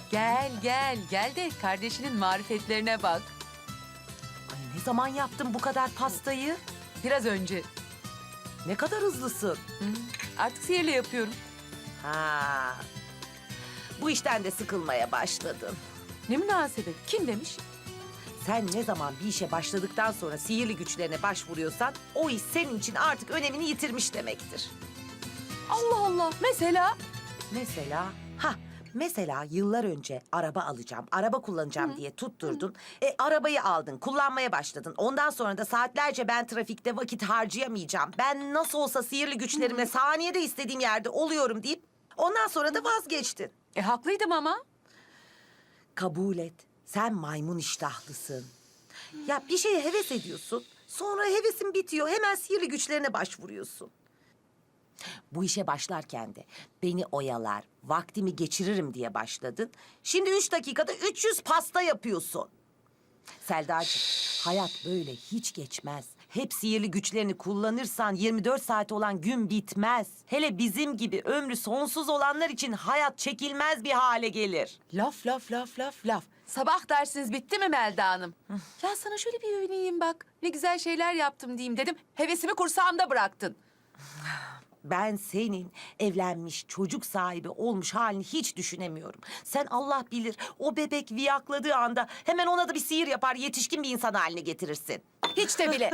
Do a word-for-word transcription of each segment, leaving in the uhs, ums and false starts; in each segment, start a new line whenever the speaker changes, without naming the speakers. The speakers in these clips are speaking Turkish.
Gel gel gel de kardeşinin marifetlerine bak.
Ay ne zaman yaptın bu kadar pastayı?
Biraz önce.
Ne kadar hızlısın.
Hı, artık sihirle yapıyorum.
Ha. Bu işten de sıkılmaya başladın.
Ne münasebet. Kim demiş?
Sen ne zaman bir işe başladıktan sonra sihirli güçlerine başvuruyorsan o iş senin için artık önemini yitirmiş demektir.
Allah Allah. Mesela?
Mesela, ha mesela yıllar önce araba alacağım, araba kullanacağım diye tutturdun. E arabayı aldın, kullanmaya başladın. Ondan sonra da saatlerce ben trafikte vakit harcayamayacağım. Ben nasıl olsa sihirli güçlerimle saniyede istediğim yerde oluyorum deyip ondan sonra da vazgeçtin.
E haklıydım ama.
Kabul et. Sen maymun iştahlısın. Ya bir şeye heves ediyorsun. Sonra hevesin bitiyor. Hemen sihirli güçlerine başvuruyorsun. Bu işe başlarken de beni oyalar, vaktimi geçiririm diye başladın. Şimdi üç dakikada üç yüz pasta yapıyorsun. Selda'cığım, hayat böyle hiç geçmez. Hep sihirli güçlerini kullanırsan yirmi dört saat olan gün bitmez. Hele bizim gibi ömrü sonsuz olanlar için hayat çekilmez bir hale gelir.
Laf laf laf laf laf. Sabah dersiniz bitti mi Melda Hanım? Ya sana şöyle bir övüneyim bak. Ne güzel şeyler yaptım diyeyim dedim. Hevesimi kursağımda bıraktın.
Ben senin evlenmiş, çocuk sahibi olmuş halini hiç düşünemiyorum. Sen Allah bilir o bebek viyakladığı anda hemen ona da bir sihir yapar, yetişkin bir insan haline getirirsin.
Hiç de bile.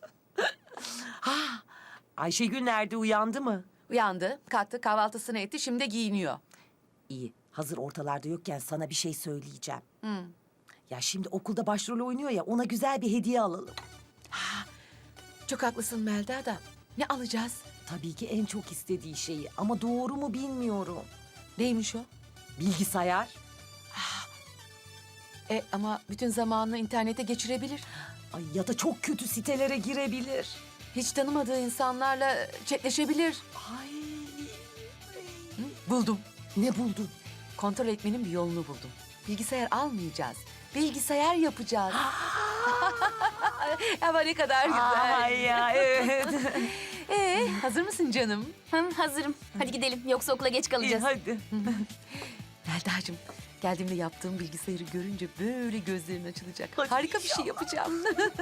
Ayşegül nerede, uyandı mı?
Uyandı, kalktı, kahvaltısını etti, şimdi giyiniyor.
İyi, hazır ortalarda yokken sana bir şey söyleyeceğim.
Hı.
Ya şimdi okulda başrol oynuyor ya, ona güzel bir hediye alalım.
Çok haklısın Melda da. Ne alacağız?
Tabii ki en çok istediği şeyi ama doğru mu bilmiyorum.
Neymiş o?
Bilgisayar.
E ama bütün zamanını internete geçirebilir.
Ay ya da çok kötü sitelere girebilir.
Hiç tanımadığı insanlarla chatleşebilir.
Ay.
Hı? Buldum.
Ne buldun?
Kontrol etmenin bir yolunu buldum. Bilgisayar almayacağız. Bilgisayar yapacağız. Ama ne kadar güzel.
Ay ya evet.
Ee, hazır mısın canım?
Hı, hazırım. Hadi gidelim. Yoksa okula geç
İyi,
kalacağız.
hadi.
Melda'cığım, geldiğimde yaptığım bilgisayarı görünce böyle gözlerin açılacak.
Hadi
Harika bir şey
inşallah.
yapacağım.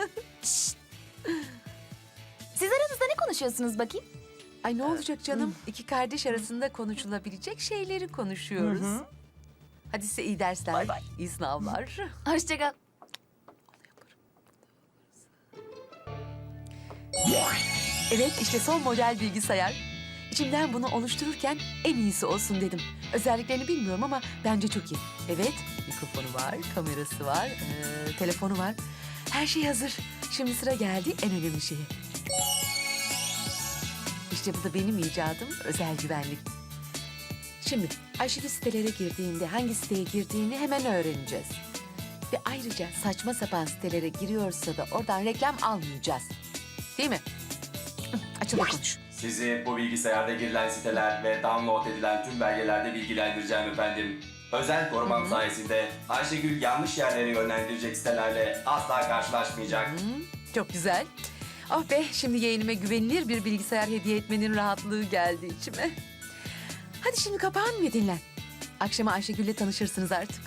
Siz aranızda ne konuşuyorsunuz bakayım?
Ay ne olacak canım? İki kardeş arasında konuşulabilecek şeyleri konuşuyoruz.
Hı hı.
Hadi size iyi dersler,
Bay bay.
iyi sınavlar.
Hoşça kal.
Evet, işte son model bilgisayar. İçimden bunu oluştururken en iyisi olsun dedim. Özelliklerini bilmiyorum ama bence çok iyi. Evet, mikrofonu var, kamerası var, ee, telefonu var. Her şey hazır. Şimdi sıra geldi en önemli şeye. İşte bu da benim icadım, özel güvenlik. Şimdi Ayşegül sitelere girdiğinde hangi siteye girdiğini hemen öğreneceğiz. Ve ayrıca saçma sapan sitelere giriyorsa da oradan reklam almayacağız. Değil mi? Hı, açıl da konuş.
Sizi bu bilgisayarda girilen siteler ve download edilen tüm belgelerde bilgilendireceğim efendim. Özel korumam sayesinde Ayşegül yanlış yerlere yönlendirecek sitelerle asla karşılaşmayacak.
Hı, çok güzel. Oh be, şimdi yeğenime güvenilir bir bilgisayar hediye etmenin rahatlığı geldi içime. Hadi şimdi kapağın ve dinlen. Akşama Ayşegül'le tanışırsınız artık.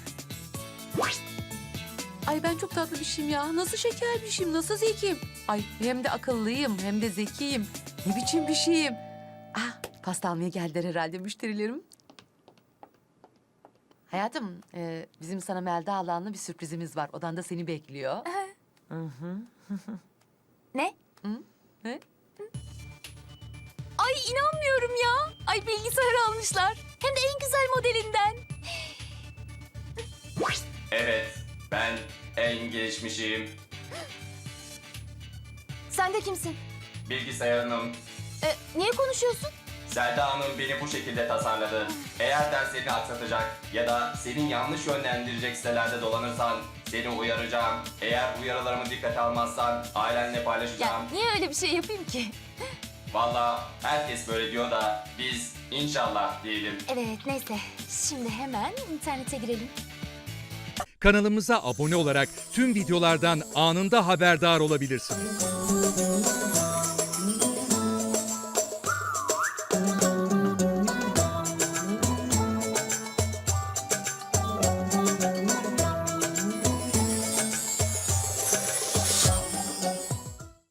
Ay ben çok tatlı bir şeyim ya. Nasıl şeker bir şeyim, nasıl zekiyim. Ay hem de akıllıyım hem de zekiyim. Ne biçim bir şeyim. Ah, pasta almaya geldiler herhalde müşterilerim. Hayatım, e, bizim sana Melda Alan'la bir sürprizimiz var. Odanda seni bekliyor.
Ne?
Ne?
Ay inanmıyorum ya. Ay bilgisayar almışlar. Hem de en güzel modelinden.
Evet, ben en gelişmişim.
Sen de kimsin?
Bilgisayarım.
Ee, niye konuşuyorsun?
Selda Hanım beni bu şekilde tasarladı. Eğer derslerini aksatacak ya da senin yanlış yönlendirecek sitelerde dolanırsan seni uyaracağım. Eğer uyarılarımı dikkate almazsan ailenle
Ya
paylaşacağım.
niye öyle bir şey yapayım ki?
Vallahi herkes böyle diyor da biz inşallah diyelim.
Evet neyse. Şimdi hemen internete girelim.
Kanalımıza abone olarak tüm videolardan anında haberdar olabilirsiniz.